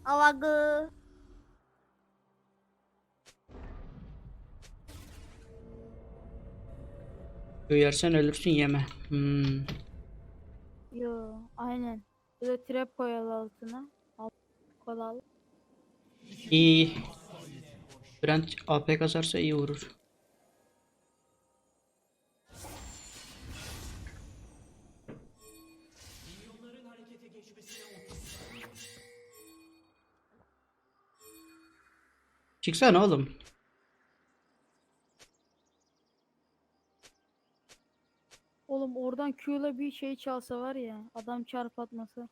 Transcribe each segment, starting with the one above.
Avagı. Yersen ölürsün yeme. Yo aynen. Böyle trap koyalım altına. Alt koyalım. İyi. Brent AP kasarsa iyi vurur. Çıksana oğlum. Oğlum oradan Q'la bir şey çalsa var ya. Adam çarp atmasa.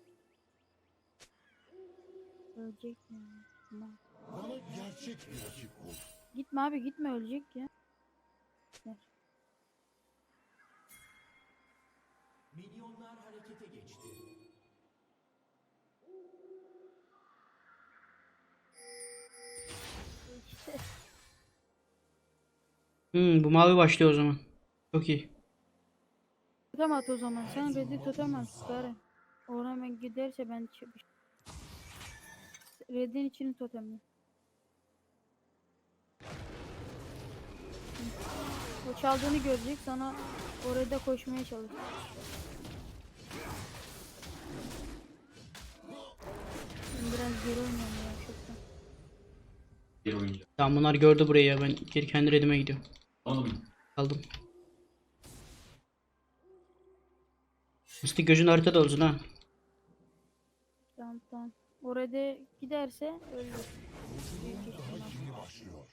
Ölecek ya. Aman. Bana gerçek bir rakip bul. Gitme abi gitme ölecek ya. Ver. İşte. Bu mavi başlıyor o zaman. Çok iyi. Totem at o zaman. Sen red'i totem at. Bari. Oraya hemen giderse ben red'in içini totemle. O çaldığını görecek sana oraya da koşmaya çalış. Ben biraz geri oynuyorum ya çoktan. Bir oyuncu. Tamam bunlar gördü burayı ya. Ben geri kendi redime gidiyorum. Oğlum Aldım. Mıstık gözün haritada olsun ha. Tamam tamam. Oraya da giderse öldür. Büyük ihtimal. Yeni başlıyor.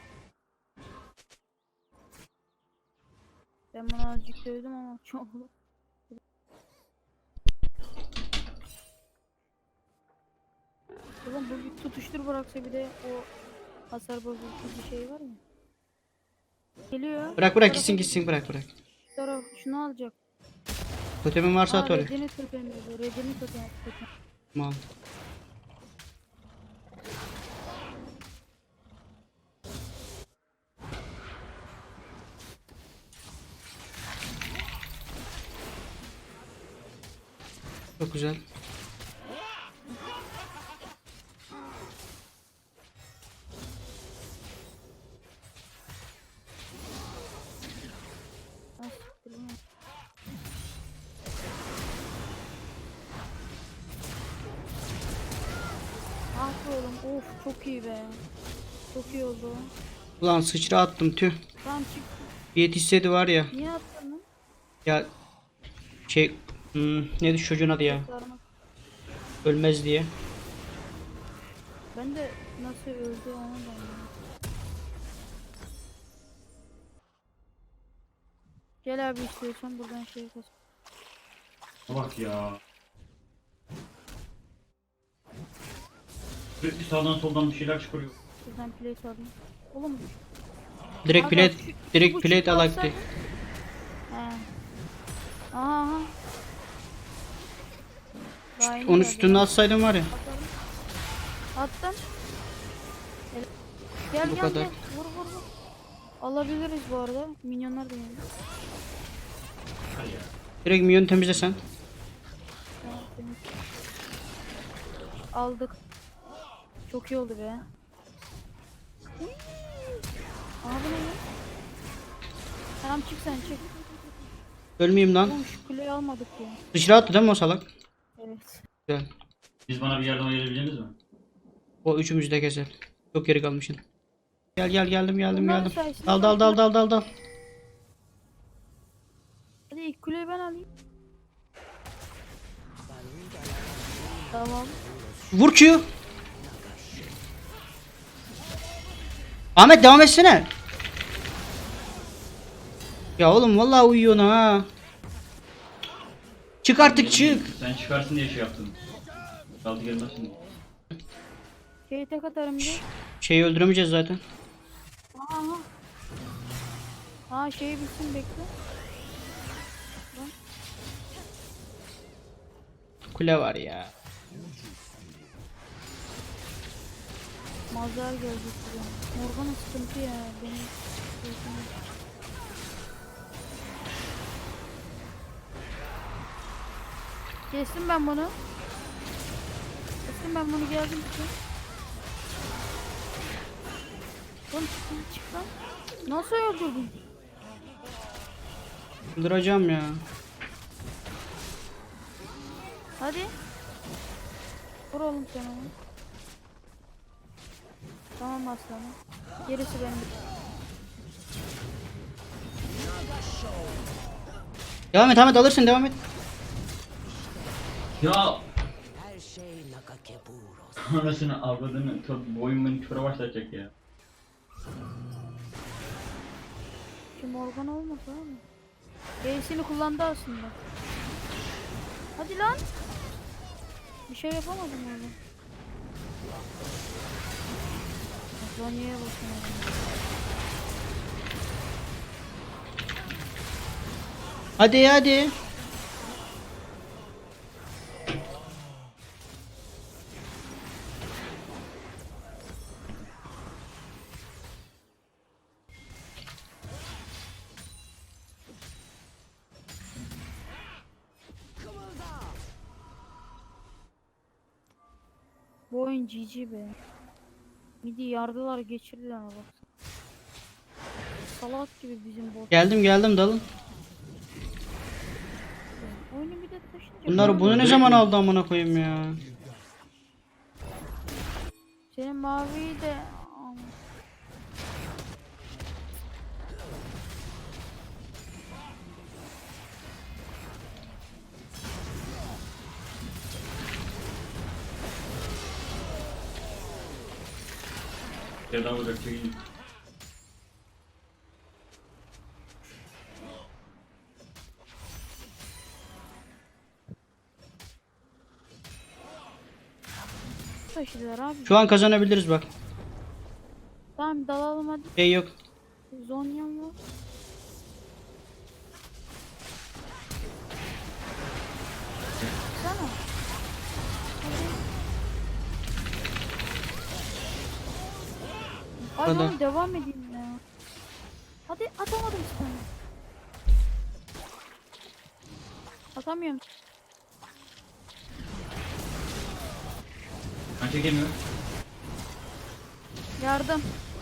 Ben bunu azıcık dövdüm ama çok. Oğlum bu bir tutuştur bıraksa bir de o hasar bozucu bir şey var ya. Geliyor. Bırak gitsin gitsin bırak. Şu taraf şunu alacak. Totemin varsa Aa at oraya. redini totemledi. Redini totem. Tamam. Çok güzel. Ah, siktir lan. Ah be oğlum. Of çok iyi be. Çok iyi oldu. Ulan sıçra attım tüh. Tamam çık. Yetişseydi var ya. Niye attın lan? Ya şey neydi şu çocuğun adı ya? Sarmak. Ölmez diye. Ben de nasıl öldü onu da anlamadım. Gel abi istiyorsan buradan şey kas. bak ya. Sürekli sağdan soldan bir şeyler çıkarıyor. Buradan plate alayım. Oğlum. Direkt Aga, plate şu direkt buçuk plate alsak- alaktı. He. Aha. Daha yeni Onun geldi üstüne ya. atsaydım var ya. Attım. Gel Bu gel kadar. gel. Vur vur vur. Alabiliriz bu arada. Minyonlar da yani. Direkt minyon temizlesen. Tamam, temiz. Aldık. Çok iyi oldu be. Uy. Aha bu ne ya? Tamam çık sen çık. Ölmeyeyim lan. Oğlum şu kuleyi almadık ya. Sıçra attı değil mi o salak? Evet. Güzel. Siz bana bir yardım edebileceğiniz mi? O üçümüzü de keser. Çok geri kalmışsın. Geldim Bunların sayesinde Dal. Hadi ilk kuleyi ben alayım. Tamam. Vur Q. Ahmet devam etsene. Ya oğlum vallahi uyuyorsun ha. Çık artık çık. Sen çıkarsın diye şey yaptım. Kaldı gelmez şimdi. Şeyi tek atarım bir. Şeyi öldüremeyeceğiz zaten. Aha. Aa şeyi bitsin bekle. Lan. Kule var ya. Mazhar gelecek buraya. Morgana sıkıntı ya. Benim kestim ben bunu. Kestim ben bunu, geldim ki. Oğlum çık lan. Nasıl öldürdün? Öldüreceğim ya. Hadi. Vur oğlum sen onu. Tamam aslanım. Gerisi benim. Devam et alırsın, devam et. Ya Her şey Nakakeburos. anasını avradını boyun beni küfre başlatacak ya. Kim Morgan olmasa abi. B'sini kullandı aslında. Hadi lan. Bir şey yapamadım orada. Zonya'ya bakın abi. Hadi hadi. Bu oyun GG be. Midi yardılar, geçirdiler ama bak. Salak gibi bizim bot. Geldim dalın. Oyunu bir de taşınca. Bunu ne zaman aldı amına koyayım ya. Senin maviyi de... Yerden vuracak çekeyim. Taşıdılar abi. Şu an kazanabiliriz bak. Tamam dalalım hadi. Şey yok. Zonya'm var. Sana. Hadi. Ay Hadi. oğlum devam edeyim ya. Hadi atamadım sana. Atamıyorum. Ben çekemiyorum. Yardım.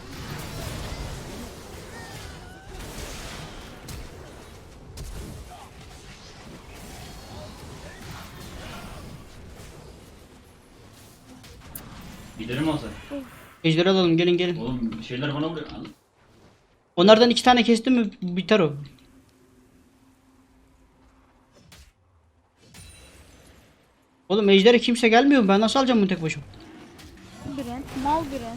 Giderim olsa. Ejderha alalım, gelin. Oğlum bir şeyler bana vuruyor. Onlardan 2 tane kestim mi biter o. Oğlum ejdere kimse gelmiyor mu? Ben nasıl alacağım bunu tek başıma? Brent. Mal Brent.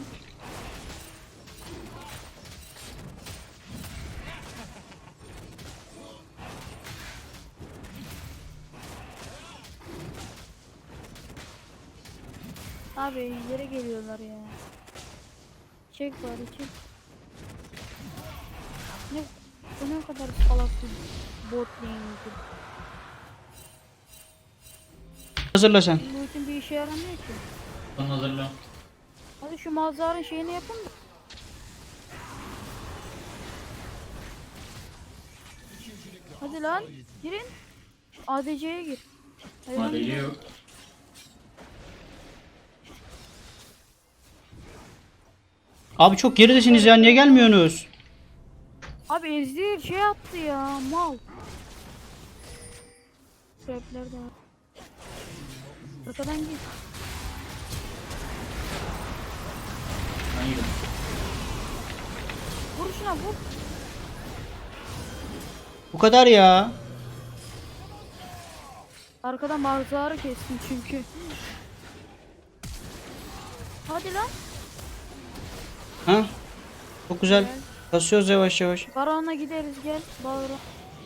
Abi yere geliyorlar ya. Çek bari çek. Ne, bu ne kadar salak bir bot lane'dir. Hazırla sen. Bu için bir işe yaramıyor ki. Son hazırla. Hadi şu Malzar'ın şeyini yapın da. Hadi lan girin. ADC'ye gir. Hayır, lan Madeci gir. yok. Abi çok geridesiniz ya, niye gelmiyorsunuz? Abi Ezreal şey yaptı ya mal. Trapler de var. Arkadan git. Ben gidelim. Vur şuna vur. Bu kadar ya. Arkadan Malzar'ı kestim çünkü. Hadi lan. Ha? Çok güzel. Kasıyoruz yavaş yavaş. Baron'a gideriz gel. Baron.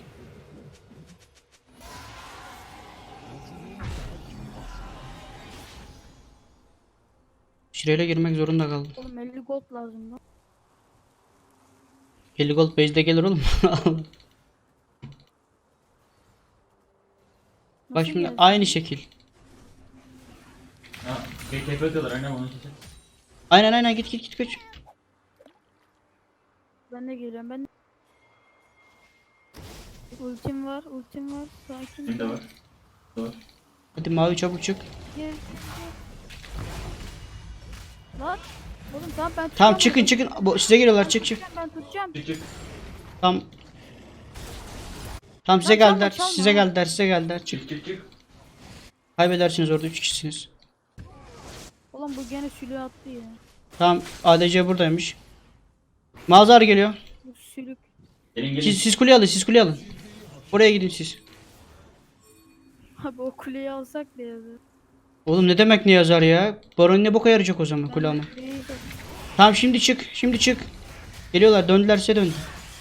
Şireyle girmek zorunda kaldım. Oğlum 50 gold lazım lan. 50 gold base'de gelir oğlum. Bak Nasıl şimdi geldi? aynı şekil. Ha, TP atıyorlar aynen onu seçelim. Aynen git kaç. Ben de geliyorum ben de. Ultim var sakin. Benim de var. Doğru. Hadi mavi çabuk çık. Gel. Lan. Oğlum tamam ben tutacağım. Tamam çıkın onu. çıkın. Size geliyorlar, çık çık. Ben tutacağım. Çık çık. Tamam. Tamam size Lan çalma, geldiler. çalma. Size geldiler. Size geldiler. Çık. Çık çık çık. Kaybedersiniz orada 3 kişisiniz. Oğlum bu gene sülüğe attı ya. Tamam ADC buradaymış. Mazhar geliyor. Bu sülük. Gelin gelin. Siz kuleyi alın, siz kuleyi alın. Oraya gidin siz. Abi o kuleyi alsak da yazar. Oğlum ne demek ne yazar ya? Baron ne boka yarayacak o zaman kule alma. Tamam şimdi çık. Şimdi çık. Geliyorlar, döndüler, size döndü.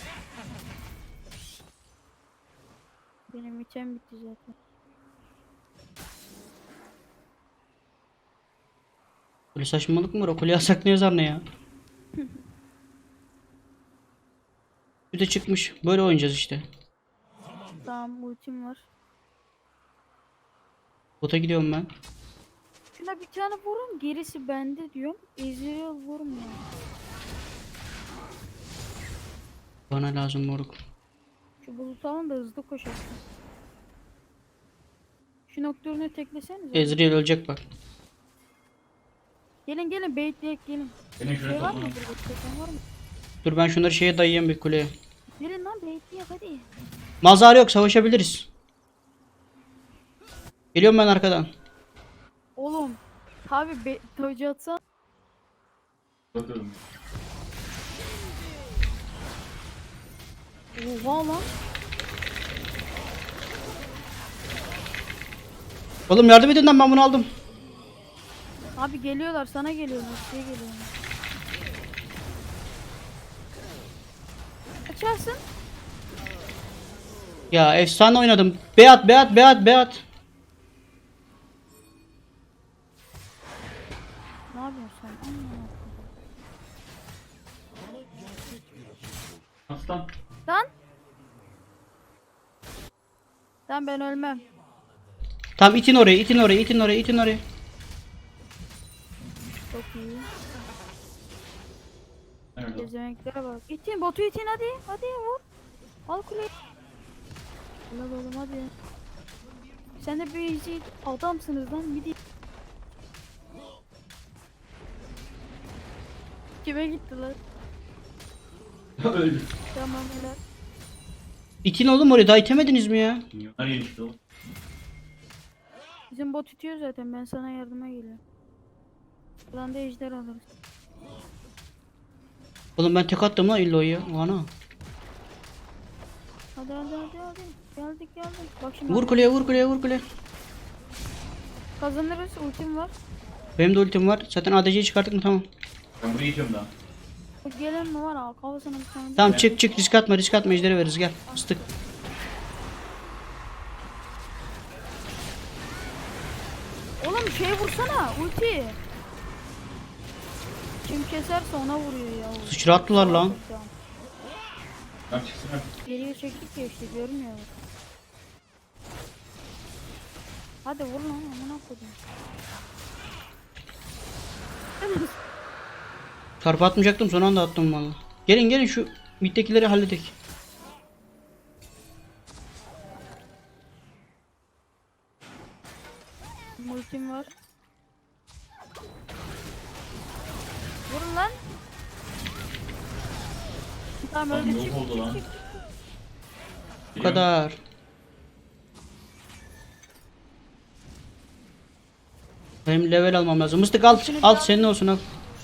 Benim item bitti zaten. Böyle saçmalık mı var? O kuleyi alsak ne yazar ne ya? Bir de çıkmış. Böyle oynayacağız işte. Tamam ultim var. Bota gidiyorum ben. Şuna bir tane vurun gerisi bende diyorum. Ezreal vurmuyor. Bana lazım moruk. Şu bulut alın da hızlı koşarsın. Şu nokturunu tekleseniz. Ezreal ölecek bak. Gelin gelin baitleyek gelin. Gelin şuraya Şey var mı? toplanın. Burada var mı? Dur ben şunları şeye dayayayım bir kuleye. Gelin lan baitleyek hadi. Mazhar yok, savaşabiliriz. Geliyorum ben arkadan. Oğlum. Abi tavcı atsan. Bakıyorum. Oha lan. Oğlum yardım edin lan, ben bunu aldım. Abi geliyorlar sana geliyorlar. Şey geliyorlar. Açarsın. Ya efsane oynadım. Beat beat beat beat. Ne yapıyorsun sen? Aman Aslan. Lan. Lan ben ölmem. Tamam itin oraya, itin oraya, itin oraya, itin oraya. Çok iyi. Nerede? Gezemeklere bak. İtin botu itin hadi. Hadi vur. Al kuleyi. Ulan oğlum hadi. Sen de bir easy adamsınız lan. Midi. Kime gittiler? Öldü. Tamam helal. İtin oğlum oraya, daha itemediniz mi ya? Milyonlar yenişti o. Bizim bot itiyor zaten. Ben sana yardıma geliyorum. Buradan da ejder alırız. Oğlum ben tek attım lan illo'yu. Ana. Hadi hadi hadi hadi. Geldik geldik. Bak şimdi Vur kuleye, vur kuleye, vur kuleye. kazanırız. Ultim var. Benim de ultim var. Zaten ADC'yi çıkarttık mı, tamam. Ben burayı itiyorum daha. Bak gelen mi var? Al kafasına bir tane. Tamam çık çık, risk atma, risk atma, ejderi veririz, gel. Istık. Oğlum şey vursana. Ulti. Kim keserse ona vuruyor ya. Sıçrattılar lan. Tamam çıksın artık. Geriye çektik ya işte görmüyor. Hadi vur lan amına koyayım. Çarpı atmayacaktım, son anda attım valla. Gelin gelin şu middekileri halledek. Ultim var. Vurun lan. Tamam Lan öldü yok çık. oldu lan. Bu kadar. Benim level almam lazım. Mıstık al, al senin olsun al.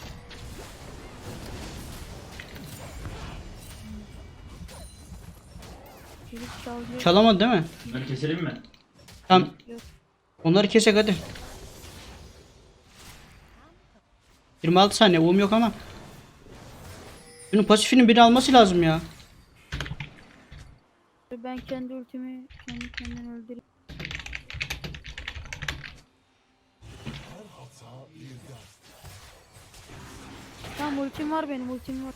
Çelik çalıyor. Çalamadı değil mi? Bunları keselim mi? Tamam. Yok. Onları kesek hadi. 26 saniye uğum yok ama. Bunun pasifinin biri alması lazım ya. Ben kendi ultimi kendi kendini öldüreyim. Tamam ultim var benim ultim var.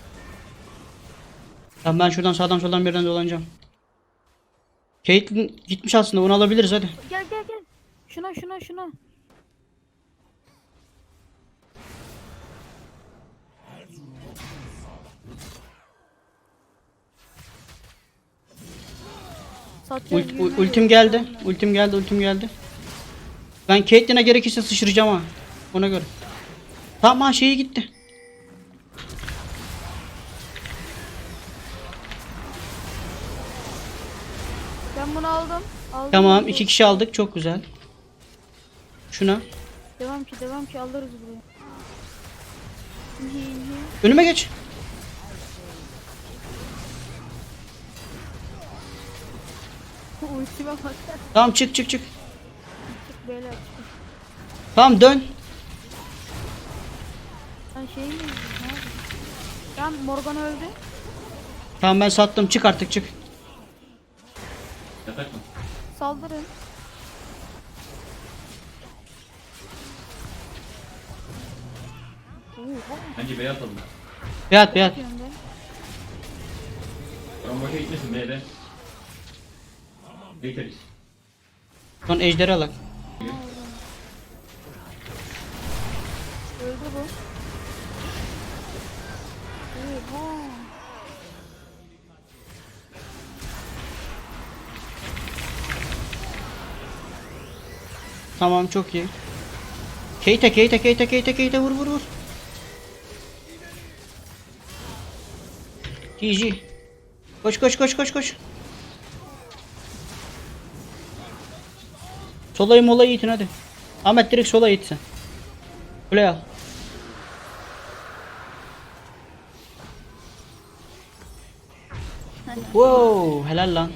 Tamam ben şuradan sağdan soldan birden dolanacağım. Caitlyn gitmiş aslında, onu alabiliriz hadi. Gel gel gel. Şuna. Satacağız, yürüme Ultim yok. geldi. Ultim geldi, ultim geldi. Ben Caitlyn'e gerekirse sıçrayacağım ha. Ona göre. Tamam şeyi gitti. Ben bunu aldım. Tamam 2 kişi aldık çok güzel. Şuna. Devam ki alırız buraya. Önüme geç. Ultime bak. Tamam çık çık çık. Çık beyler çık. Tamam dön. Sen şey mi izliyorsun? Ne yapıyorsun? Tamam Morgan öldü. Tamam ben sattım çık artık çık. Yatak mı? Saldırın. Oha. Bence beyaz atalım. Beyat beyat. Yapıyorum ben. Baron boşa gitmesin B'de. Bekleriz. Son ejderi alak. Öldü bu. Oha. Tamam çok iyi. Keita vur vur vur. GG. Koş koş koş koş koş. Sola itin hadi. Ahmet direkt sola it sen. Kuleye al. Wow, helal lan.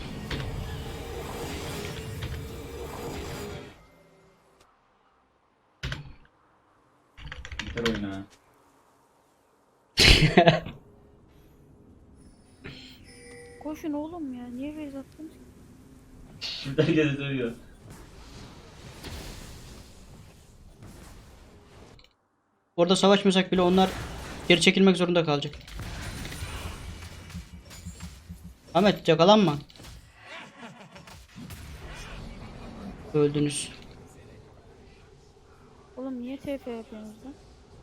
Biter oyun ha. Koşun oğlum ya. Niye base attınız ki? Şimdi herkes dövüyor. Orada savaşmasak bile onlar geri çekilmek zorunda kalacak. Ahmet yakalanma. Öldünüz. Oğlum niye TP yapıyorsunuz lan?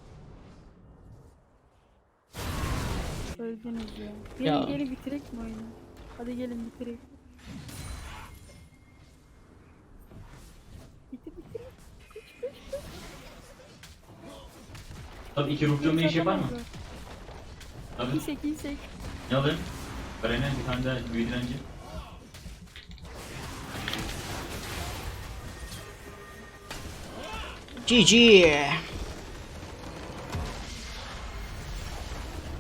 Öldünüz ya. Ya. Gelin bitirek mi oyunu? Hadi gelin bitirek. Bitir. Tabii 2 ruhcum ne iş yapar mı? Tabii. İyisek. Ne alayım? Garen'e bir tane daha büyü direnci. GG.